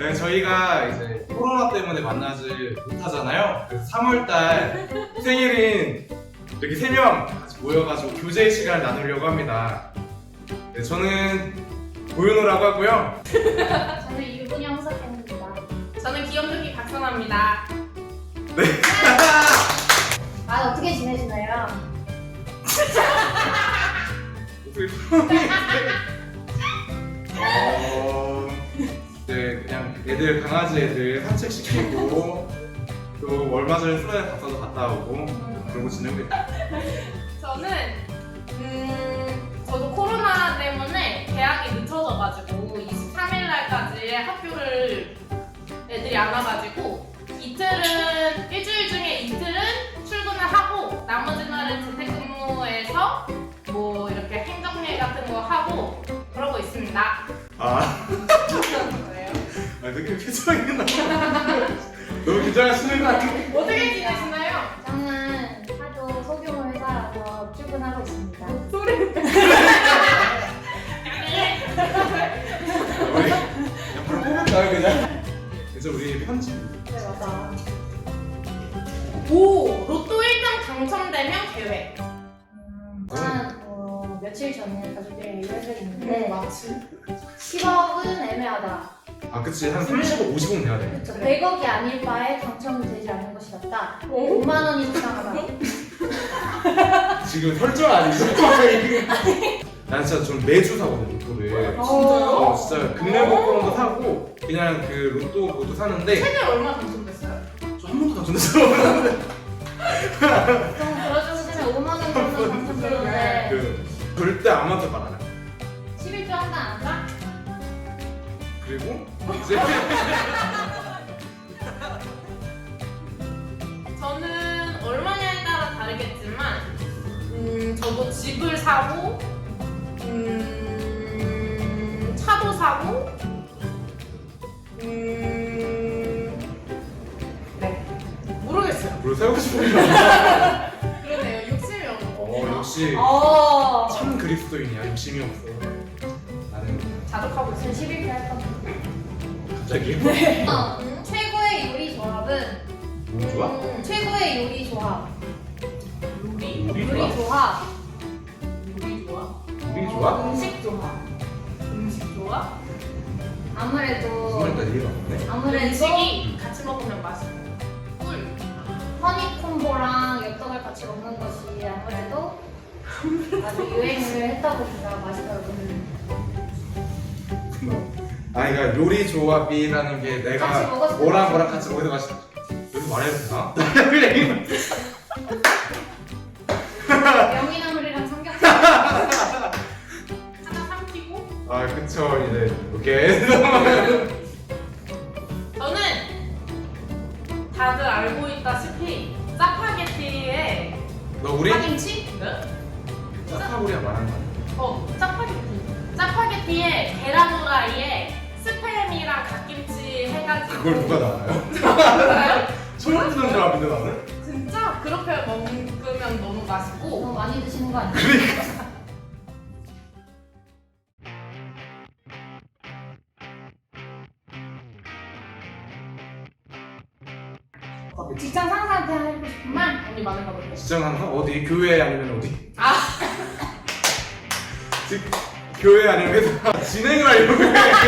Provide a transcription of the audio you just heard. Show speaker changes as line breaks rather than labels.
네, 저희가 이제 코로나 때문에 만나지 못하잖아요. 그래서 3월달 생일인 이렇게 3명 같이 모여가지고 교제 시간을 나누려고 합니다. 네, 저는 고윤호라고 하고요.
저는 유분이 홍석현입니다.
저는 귀염둥이 박선아입니다.
네.
아, 어떻게 지내시나요?
네, 그냥 애들 강아지 애들 산책시키고 또 얼마 전에 수련회 갔다 오고 그러고 지내고 있어요.
저는 저도 코로나 때문에 개학이 늦춰져가지고 23일 날까지 학교를 애들이 안 와가지고 일주일 중에 이틀은 출근을 하고 나머지 날은 재택근무해서 뭐 이렇게 행정일 같은 거 하고 그러고 있습니다.
그래요? 되게 표정이 너무 긴장하시는 거 아니에요?
어떻게 지내시나요?
저는 하도 소규모 회사라서 출근하고 있습니다.
소리.
우리 옆으로 뽑을까요 그냥? 그래서 우리 편집.
네, 맞아.
오! 로또 1등 당첨되면 계획.
한 며칠 전에 가족들이랑 얘기를 했는데
맞지?
10억은 애매하다.
아 그치 한 30억 50억 내야 돼.
그렇죠. 100억이 아닐 바에 당첨되지 않는 것이 낫다. 5만 원이 적당하다.
지금 설정 아니죠? 난 진짜 좀 매주 사거든 로또를.
진짜요?
진짜 금매 복권도 사고 그냥 그 로또 사는데
최대 얼마 당첨됐어요?
저 한 번도 당첨됐어요.
보통 들어주시면 5만 원 정도 당첨되는데
그 절대 아무한테 말 안 해.
11조 한다 안 한다?
그리고 이제
저는 얼마냐에 따라 다르겠지만 저도 집을 사고 차도 사고 네 모르겠어요.
뭘 세우고 싶은 거.
그러네요. 욕심이 없고
역시
어.
참 그리스도인이야. 욕심이 없어. 나는
자족하고
저
있어요.
11조 할 겁니다.
갑자기
최고의 요리 조합은
뭐 좋아?
최고의 요리 조합.
요리?
요리
요리
좋아?
조합.
요리 좋아?
요리 좋아?
음식 조합.
음식 좋아?
아무래도
정말 이해가 없네.
아무래도
음식이 같이 먹으면 맛있고 꿀.
허니콤보랑 엽떡을 같이 먹는 것이 아무래도 아주 유행을 했다 보니까 맛있더라고요.
그러니까 요리 조합이라는 게
같이
내가
먹었을 때
뭐랑
맛있어.
뭐랑 같이 먹어도 맛있어. 여기서 말해도 되나?
명이나물이랑 삼겹살.
하나 삼키고
아 그쵸 이제 오케이.
저는 다들 알고 있다시피 짜파게티에
너 우리
파김치? 네?
짜파구리야 말하는 거 아니야?
짜파게티. 짜파게티에 계란 후라이에 스팸이랑 갓김치 해가지고
그걸 누가 나와요?
알아요?
소름 돋는 조합인데 나는?
진짜 그렇게 먹으면 너무 맛있고
너무 많이 드시는 거 아니에요? 직장 상사한테 하고 싶은 말?
언니 많은가 보네.
직장하는 거? 어디? 교회 아니면 어디?
아
교회 아니면 회사 진행을 하려고 해.